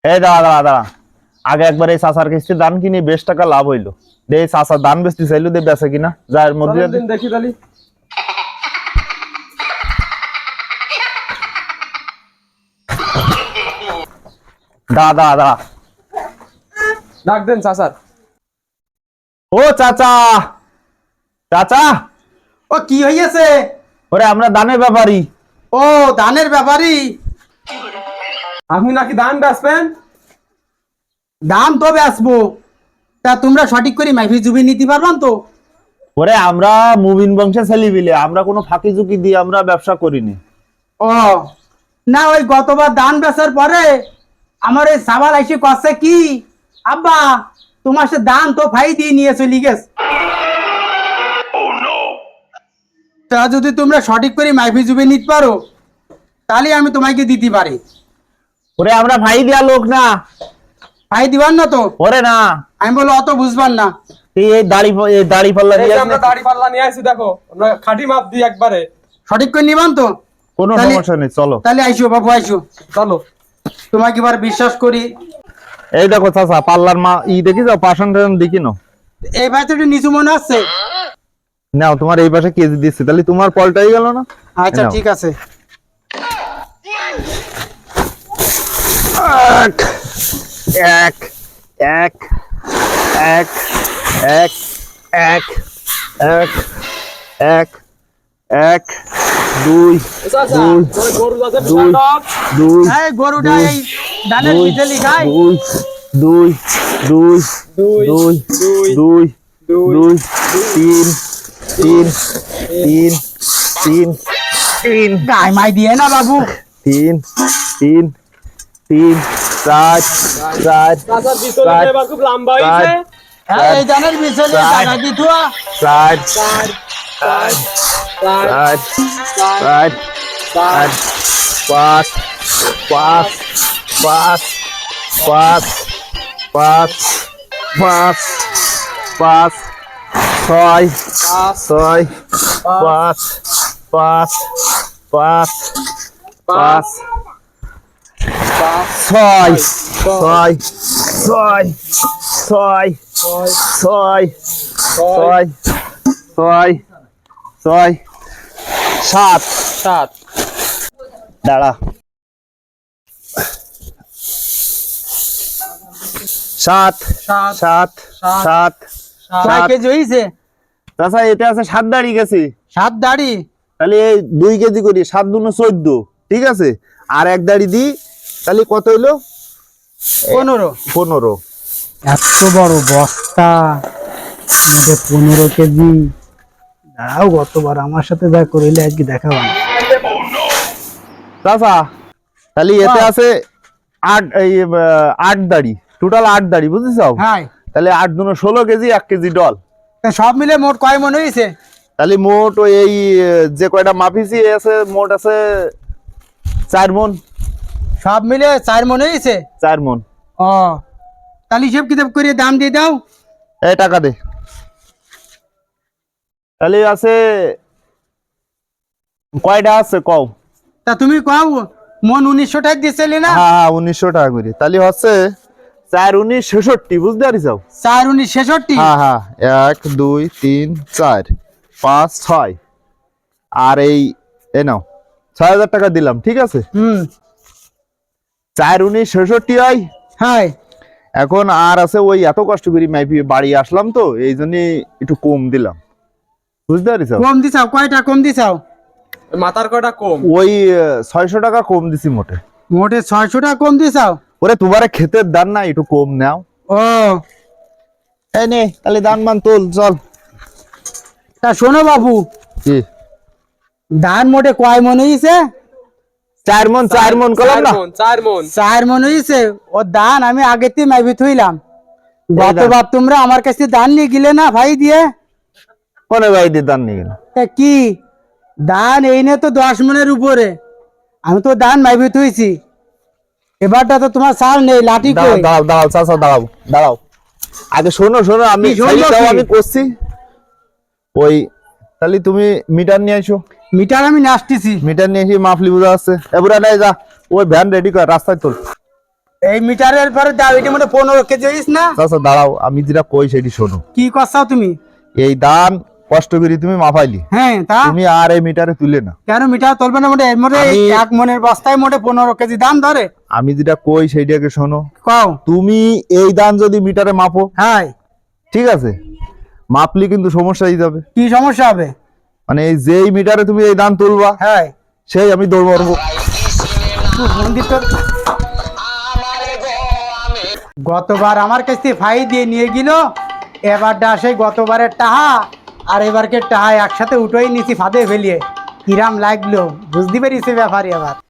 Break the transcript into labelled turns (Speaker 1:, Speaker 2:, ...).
Speaker 1: এই দাঁড়া দাঁড়া দাঁড়া, আগে একবার এই চাচার কিস্তি ধান কিনি, বেশ টাকা লাভ হইলো। এই চাচার ধান বেচতে চাইলো, দিয়ে বেচে কিনা যার মধ্যে
Speaker 2: দেখি তালি।
Speaker 1: দাঁড়া দাঁড়া দাঁড়া,
Speaker 2: ডাক দেন চাচার।
Speaker 1: ও চাচা, চাচা
Speaker 3: ও কি হইছে?
Speaker 1: ওরে আমরা ধানের ব্যাপারী।
Speaker 3: ও ধানের ব্যাপারী,
Speaker 2: আপনি নাকি ধান বেচবেন?
Speaker 3: দাম তো বেচবো, তা তোমরা সঠিক করে মাইফি জুবি নিতে পারবান তো?
Speaker 1: ওরে আমরা মুবিন বংশে ছেলে বিলে, আমরা কোনো ফাঁকি ঝুঁকি দিয়ে আমরা ব্যবসা করিনি।
Speaker 3: ও না, ওই গতবার ধান বেচার পরে আমার এই সাবাল এসে কচ্ছে কি, আব্বা তোমার সে ধান তো ফাই দিয়ে নিয়ে চলে গেছে। তা যদি তোমরা সঠিক করে মাইফি জুবি নিতে পারো তাহলে আমি তোমাকে দিতে পারি।
Speaker 1: ওরে আমরা ভাই দেয়া লোক না।
Speaker 3: ফাই দিবার না তো?
Speaker 1: ওরে না,
Speaker 3: আমি বলো অত বুঝবার না।
Speaker 1: এই দাড়ি পাল্লা
Speaker 2: এই
Speaker 1: দিয়ে
Speaker 2: যে আমরা দাড়ি পাল্লা নিয়ে আসি, দেখো আমরা খাঁটি মাপ দিই একবারে।
Speaker 3: সঠিক করে নিবান তো?
Speaker 1: কোনো
Speaker 3: তাহলে-
Speaker 1: সমস্যা নেই, চলো।
Speaker 3: তাহলে আইসো বাবু, আইসো,
Speaker 2: চলো।
Speaker 3: তোমাকে এবার বিশ্বাস করি।
Speaker 1: এই দেখো চাচা, পাল্লার মা দেখি যাও, পাশান টাশান দেখি নাও।
Speaker 3: এই ভাই তো একটু নিচু মনে হচ্ছে।
Speaker 1: নাও, তোমার এই পাশে কেজি দিচ্ছি, তাহলে তোমার পলটাই গেল না।
Speaker 3: আচ্ছা
Speaker 1: নাও।
Speaker 3: ঠিক আছে।
Speaker 1: এক এক এক এক এক এক এক এক দুই
Speaker 2: চাচা,
Speaker 1: দুই
Speaker 2: ওই গরু আছে
Speaker 1: দুই
Speaker 2: বিশাল।
Speaker 1: দুই
Speaker 3: এই গরুটা
Speaker 1: দুই,
Speaker 3: এই ধানের
Speaker 1: দুই,
Speaker 3: পিঠে লিখাই।
Speaker 1: দুই দুই দুই দুই দুই দুই তিন তিন তিন তিন তিন
Speaker 3: গায়ে মাই দিয়ে না বাবু।
Speaker 1: তিন তিন তিন চার চার
Speaker 2: চাচার ভিতরে
Speaker 1: চার,
Speaker 2: এবার খুব লম্বা হয়েছে।
Speaker 1: চার,
Speaker 3: হ্যাঁ, এই ধানের পিছনে
Speaker 1: চার,
Speaker 3: টাকা দিত।
Speaker 1: চার
Speaker 2: চার চার চার
Speaker 1: চার
Speaker 2: চার
Speaker 1: চার পাঁচ পাঁচ পাঁচ পাঁচ পাঁচ পাঁচ পাঁচ ছয় ছয় পাঁচ পাঁচ পাঁচ পাঁচ ছয় ছয় ছয় ছয় ছয় ছয় ছয় ছয় সাত
Speaker 2: সাত।
Speaker 1: দাঁড়া, সাত
Speaker 2: সাত
Speaker 1: সাত সাত
Speaker 3: কয়
Speaker 1: সাত।
Speaker 3: কেজি হয়েছে?
Speaker 1: তাছাড়া এতে আছে 7 দাঁড়ি গেছে,
Speaker 3: 7 দাড়ি।
Speaker 1: তাহলে এই 2 কেজি করি, 7 দুনো 14, ঠিক আছে। আর এক দাঁড়ি দি, তাহলে কত হইলো?
Speaker 3: 15।
Speaker 1: 15।
Speaker 3: এত বড় বস্তা, 15 কেজি। দাঁড়াও, গতবার আমার সাথে যা করিলে আজকে দেখাবো না।
Speaker 1: চাচা, তাহলে এতে আছে 8 দাঁড়ি, টোটাল 8 দাঁড়ি, বুঝেছ?
Speaker 3: হ্যাঁ,
Speaker 1: তাহলে 8 দুনো 16 কেজি, 1 কেজি ডল।
Speaker 3: তা সব মিলে মোট কয় মন হয়েছে?
Speaker 1: তাহলে মোট ওই এই যে কয়টা মাপিছি আছে, মোট আছে 4 মন।
Speaker 3: সব মিলে 4 মন হয়েছে।
Speaker 1: 4 মন।
Speaker 3: ও, তাহলে হিসেব কিতাব করে দাম দিয়ে দাও।
Speaker 1: এই টাকা দে। তাহলে আছে কয়টা আছে কও?
Speaker 3: তা তুমি কও, মন 1900 টাকা দিয়েছিলে না?
Speaker 1: হ্যাঁ হ্যাঁ, 1900 টাকা করে। তাহলে হচ্ছে 4 19 66, বুঝতে পারিস?
Speaker 3: 4 19 66।
Speaker 1: হ্যাঁ হ্যাঁ, 1 2 3 4 5 6, আর এই নাও 6000 টাকা দিলাম, ঠিক আছে। 4 19 66 হয়।
Speaker 3: হ্যাঁ,
Speaker 1: এখন আর আছে ওই এত কষ্ট করি মাইপি বাড়ি আসলাম তো, এই জন্য একটু কম দিলাম, বুঝতে পারিস?
Speaker 3: কম দিছাও? কয়টা কম দিছাও?
Speaker 2: মাথার কটা কম।
Speaker 1: ওই 600 টাকা কম দিছি মোটে।
Speaker 3: মোটে 600 টাকা কম দিছাও?
Speaker 1: ওরে তোমার ক্ষেতের দান না, একটু কম নাও।
Speaker 3: ও,
Speaker 1: এই নে, তাহলে দান মান তোল, চল।
Speaker 3: তা শোনো বাবু,
Speaker 1: কি
Speaker 3: ধান মোটে কয় মন হয়েছে?
Speaker 1: 4 মন, 4 মন করলাম না?
Speaker 2: 4 মন।
Speaker 3: 4 মন হয়েছে। ও ধান আমি আগে থেকে মাইবি থইলাম। গতবার তোমরা আমার কাছে ধান নিয়ে গেলে না ভাই দিয়ে?
Speaker 1: কোনে ভাই দিয়ে দান নিয়ে গেল?
Speaker 3: তা কি ধান এই নিয়ে তো 10 মনের উপরে, আমি তো ধান মাইবি থইছি। এবারটা তো তোমার সার নেই, লাঠি
Speaker 1: দাঁড়াও
Speaker 3: কই?
Speaker 1: দাঁড়াও দাঁড়াও চাচা, দাঁড়াও দাঁড়াও, আগে শোনো শোনো, আমি
Speaker 3: কি শুনবো
Speaker 1: খালি তাও
Speaker 3: কি?
Speaker 1: আমি করছি। ওই তাহলে তুমি মিটার নিয়ে আসো।
Speaker 3: মিটার আমি নাচতেছি।
Speaker 1: মিটার নিয়ে এসে মাপলি বোঝা আছে, এবারে নাই যা, ওই ভ্যান রেডি কর, রাস্তায় তোল।
Speaker 3: এই মিটারের পরে দাও, এটি মনে 15 কেজি হইস না?
Speaker 1: চাচা দাঁড়াও, আমি যেটা কই সেটি শোনো।
Speaker 3: কি করছাও তুমি?
Speaker 1: এই ধান কষ্ট করে তুমি মাপাইলি,
Speaker 3: হ্যাঁ তা
Speaker 1: তুমি আর এই মিটারে তুলে না।
Speaker 3: কেন মিটার তুলবে না? মোটে এর মধ্যে
Speaker 1: আমি-
Speaker 3: এক মনের বস্তায় মোটে 15 কেজি দাম ধরে।
Speaker 1: আমি যেটা কই সেইটাকে শোনো।
Speaker 3: কও।
Speaker 1: তুমি এই ধান যদি মিটারে মাপো,
Speaker 3: হ্যাঁ,
Speaker 1: ঠিক আছে, মাপলি কিন্তু সমস্যা হয়ে যাবে।
Speaker 3: কি সমস্যা হবে?
Speaker 1: মানে এই যেই মিটারে তুমি এই ধান তুলবা,
Speaker 3: হ্যাঁ,
Speaker 1: সেই আমি দৌড় মারবো।
Speaker 3: গতবার আমার কাছ থেকে ফাই দিয়ে নিয়ে গেল, এবারটা সেই গতবারের টাহা আর এবারকে টাহা একসাথে উঠোই নিছি ফাঁদে ফেলিয়ে। কিরাম লাগলো বুঝতে পেরেছি ব্যাপারই। আবার